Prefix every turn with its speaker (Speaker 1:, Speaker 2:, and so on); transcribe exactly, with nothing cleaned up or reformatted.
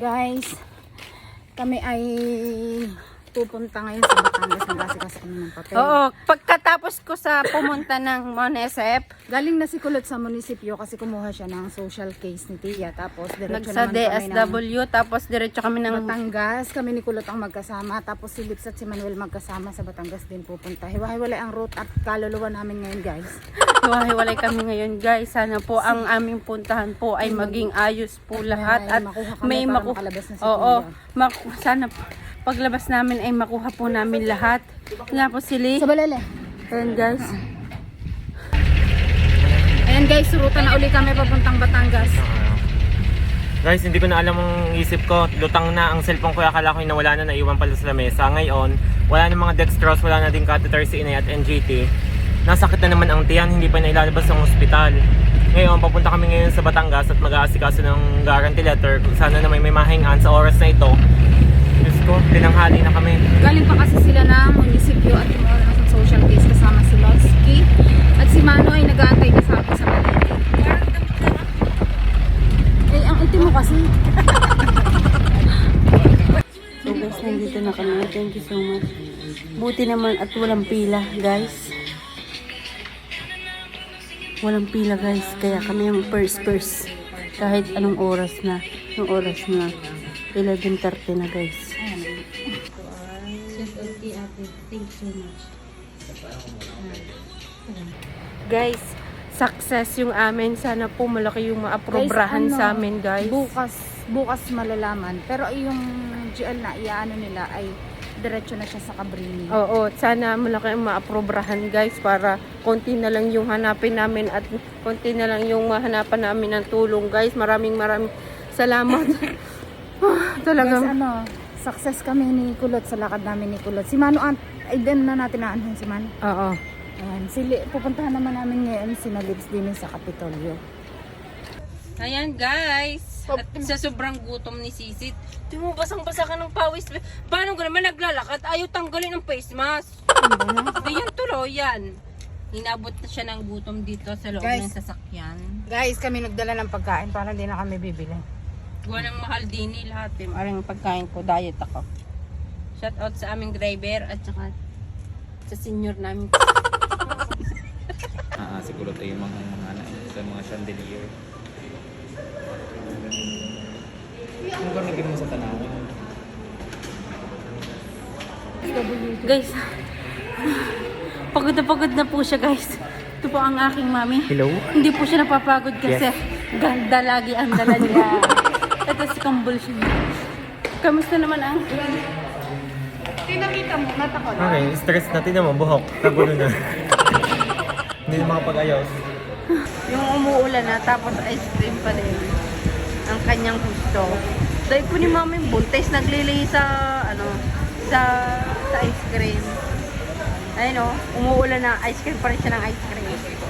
Speaker 1: Guys, kami ay pupunta ngayon sa Batangas. Nagasikas kami ng papel.
Speaker 2: Oo, pagkatapos ko sa pumunta ng Monesep,
Speaker 1: Galing na si Kulot sa munisipyo kasi kumuha siya ng social case ni Tia. Tapos diretso
Speaker 2: nagsa
Speaker 1: naman
Speaker 2: D
Speaker 1: kami
Speaker 2: S W, tapos diretso kami
Speaker 1: ng
Speaker 2: ng...
Speaker 1: Batangas. Kami ni Kulot ang magkasama. Tapos si Lips at si Manuel magkasama sa Batangas din pupunta. Hiwa-hiwalay ang route at kaluluwa namin ngayon, guys.
Speaker 2: Hiwa-hiwalay kami ngayon, guys. Sana po ang aming puntahan po ay maging ayos po lahat.
Speaker 1: May
Speaker 2: At
Speaker 1: makuha kami
Speaker 2: may
Speaker 1: para
Speaker 2: maku...
Speaker 1: makalabas na si
Speaker 2: Oo,
Speaker 1: Tia.
Speaker 2: maku... sana po, paglabas namin ay makuha po namin lahat. Nga po sili.
Speaker 1: Sa Balele.
Speaker 2: Ayan, guys.
Speaker 1: Ayan guys, ruta na uli kami papuntang Batangas.
Speaker 3: Guys, hindi ko na alam ang isip ko. Lutang na ang cellphone ko. Akala ko yung nawala na, naiwan pala sa lamesa. Ngayon, wala na mga dextrose, wala na din catheter si Inay at N G T. Nasakit na naman ang tiyan, hindi pa nailalabas ng ospital. Ngayon, papunta kami ngayon sa Batangas at mag-aasikaso ng guarantee letter. Kung sana naman may mahingaan sa oras na ito. Diyos ko, tinanghali na kami.
Speaker 1: Galing pa kasi sila ng munisipyo at kumuha na ng social case kasama si Lonsky. At si Mano ay nag-aantay na sa akin sa Balele. Eh, ang itim mo kasi.
Speaker 2: So guys, nandito na kami. Thank you so much. Buti naman at walang pila, guys. Walang pila, guys. Kaya kami yung first first. Kahit anong oras na. Anong oras na. eleven thirty na, guys. Thank you so much. Guys, success yung amin. Sana po malaki yung maaprobrahan
Speaker 1: Guys, ano,
Speaker 2: sa amin, guys.
Speaker 1: Bukas, bukas malalaman. Pero yung G L na iyaano nila ay diretso na siya sa Cabrini.
Speaker 2: Oo, sana malaki ang maaprobrahan, guys, para konti na lang yung hanapin namin at konti na lang yung mahanapan namin ng tulong, guys. Maraming maraming salamat. Ah,
Speaker 1: Guys,
Speaker 2: talagang
Speaker 1: ano, success kami ni Kulot sa lakad namin ni Kulot. Si Mano, an- ay din na natin naanhin si Mano.
Speaker 2: oo.
Speaker 1: Ayan, sili, pupuntahan naman namin ngayon si Nalips din sa Kapitolyo.
Speaker 2: Ayan, guys. At sa sobrang gutom ni Sisit, di mo basang-basa ka ng pawis. Paano ka naman naglalakad? Ayaw tanggalin ng face mask. Di yan tuloy yan. Inabot na siya ng gutom dito sa loob
Speaker 1: Guys.
Speaker 2: ng sasakyan.
Speaker 1: Guys, kami nagdala ng pagkain para hindi na kami bibili.
Speaker 2: Gawa ng mahal din eh, lahat eh. Maraming pagkain ko, diet ako. Shout out sa aming driver at saka sa senior namin.
Speaker 3: Ah, siguro tayo yung mga mga ano, sa mga chandelier. Ano ba naging mo sa tanawan?
Speaker 2: Guys, pagod na pagod na po siya, guys. Ito po ang aking mami.
Speaker 3: Hello?
Speaker 2: Hindi po siya napapagod kasi ganda lagi ang dala niya. Ito si convulsion. Kamusta naman ang...
Speaker 1: Tinakita mo, natakot.
Speaker 3: Okay, stress natin naman, buhok. Kagulo na. Hindi na makapag-ayos.
Speaker 2: Yung umuulan na, tapos ice cream pa din. Ang kanyang gusto. Dahil po ni mami yung buntis, naglilay sa, ano, sa, sa ice cream. Ayun o, umuulan na, ice cream pa rin siya ng ice cream.